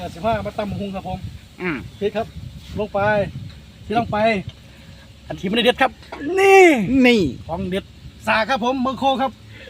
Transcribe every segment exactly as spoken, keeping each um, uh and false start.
สิบห้ามาตำหุงครับผมอืมพริกครับลงไปที่ลงไปอันที่ไม่ได้เด็ดครับนี่นี่ของเด็ดสาครับผมเมืองโคครับ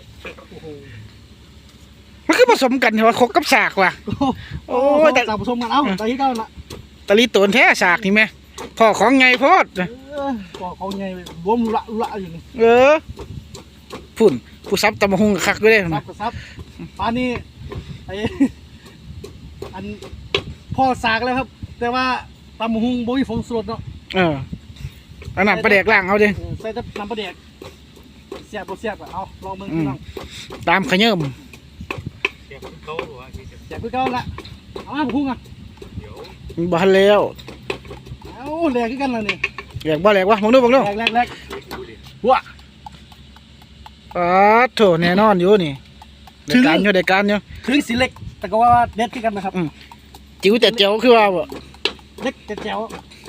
มันคือผสมกันเหรอคกกับสากว่ะ โอ้ยแต่สาผสมกันเอ้าแต่ที่เก้าละตะลีตัวแท้สากนี่ไหมพ่อของไงโพดเออก็เขาไงรวมละละอยู่นี่เออพุ่นผู้ซับตำบักหุงคักด้วยซันะบกับซับปลานี่ไออันพ่อสากแล้วครับ แต่ว่าตำหุงโบยฟงสดเนาะเออเอาน้ำปลาแดกล่างเอาดิเออใส่แต่น้ำปลาแดกเสียบบ่เสียบอะเอาลองมึงพี่น้องตามขยื่มเดี๋ยวเขาบอกว่าเสียบคือเก่าละเอามาพุ่งอ่ะเดี๋ยวบ้านแล้วเอาแหลกคือกันละนี่แหลกบ่แหลกวะมองดูมองดูแหลกแหลกแหลกว้าอ๋อโถแน่นอนอยู่นี่ได้การอยู่ได้การอยู่ถึงสีเล็กแต่ก็ว่าเด็ดคือกันนะครับจิ๋วแต่เจ๋วคือว่าบ่เล็กแต่แจ๋ว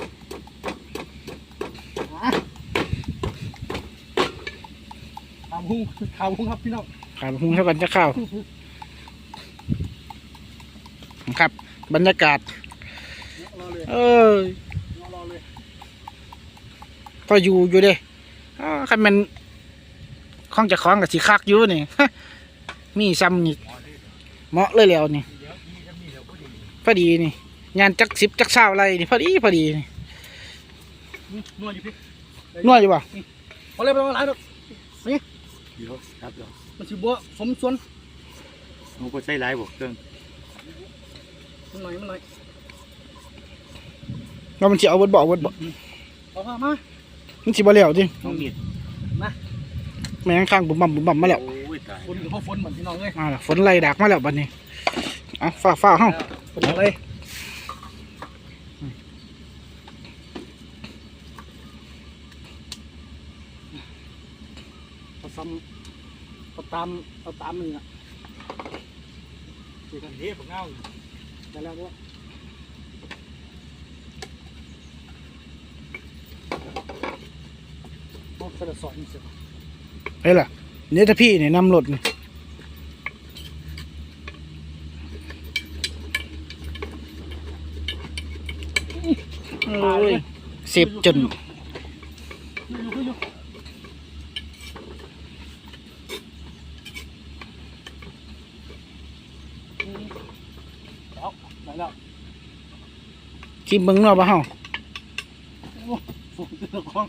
อ่ะตำหุงข่าวหุงครับพี่น้องขาดหุงเท่ากันจะข้าวครับบรรยากาศรอเลยเออรอเลยพออยู่อยู่เด้อ่าคันมันของจะคล้องกับสีคักอยู่นี่ มีซ้ำนี่เหมาะเลยแล้วนี่เดี๋ยวพี่จะมีเดี๋ยวก็ดีพอดีนี่งานจักสิบจักเช้าอะไรนี่พอดีพอดีนี่นวดอยู่พี่นวดอยู่ป่ะเอาเลยไปเอาหลายดอกนี่เดี๋ยวครับเดี๋ยวมันสิบัวสมส่วนหนูก็ใช้หลายบวกเครื่องมันหน่อยมันหน่อยเรามันจะเอาเบดบอกเบดบอกเอามามามันสิบ่แล้วจริงน้องมีดแม่งข้างบุ่มบ่มบุ่มบ่มมาแล้วโอ้ยตายฝนกับพ่อฝนเหมือนพี่น้องเลยมาแล้วฝนไล่ดักมาแล้วบัดนี้อ่ะฟ้าฟ้าเฮาฝนอะไรเอาซ้ำเอาตามเอาตามมึงอ่ะเดี๋ยวกันเฮ้ยผมเงาได้แล้วด้วยโอ้กระสอบนี่สิเฮ้ยล่ะเนี่ยถ้าพี่เนี่ยนำรถนี่เอ้ยเสียบจนอยู่อยู่อยู่แล้วได้แล้วชิมเบิ่งเนาะบ่เฮาโอ้ฝนตกของ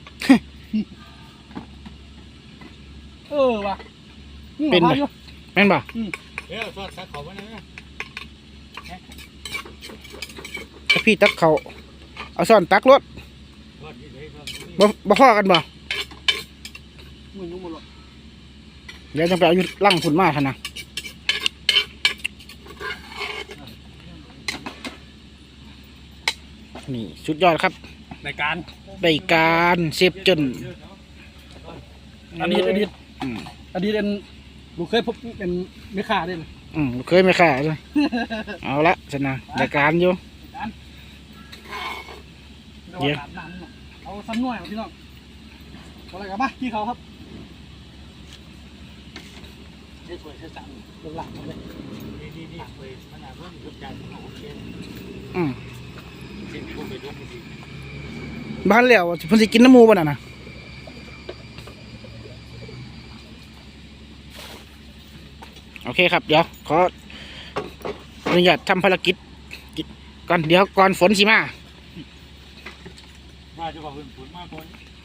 เออว่ะเป็นบ่แม่นบ่เดี๋ยวทอดสักเขาไว้นะถ้าพี่ตักเขาเอาซ่อนตักรถทอดนี่เลยทอดนี่บ่บ่พอกันบ่มึงยุ่งหมดหรอกเดี๋ยวจะไปเอาอยู่ลั่งฝุ่นมาคั่นนะนี่สุดยอดครับในการได้การเสียบจนอดีตอดีตอืมอดีตเป็นลูกเคยพบเป็นไม่ขาได้เลยอืมเคยไม่ค่าเลยเอาละชนะได้การอยู่ เดี๋ยวเอาซ้ำหน่วยพี่น้องเอาอะไรกันบ้างพี่เขาครับใช้สวยใช้จังลงหลังเลยนี่นี่นี่ไปมันอาจจะทุกอย่างโอเคอืมสิ่งที่ผมไปทุกทีบ้านแล้วเพิ่นสิกินน้ำหมูบ่น่ะนะโอเคครับเดี๋ยวขออนุญาตทำภารกิจก่อนเดี๋ยวก่อนฝนสิมามาจะบอกคุณผลมากคน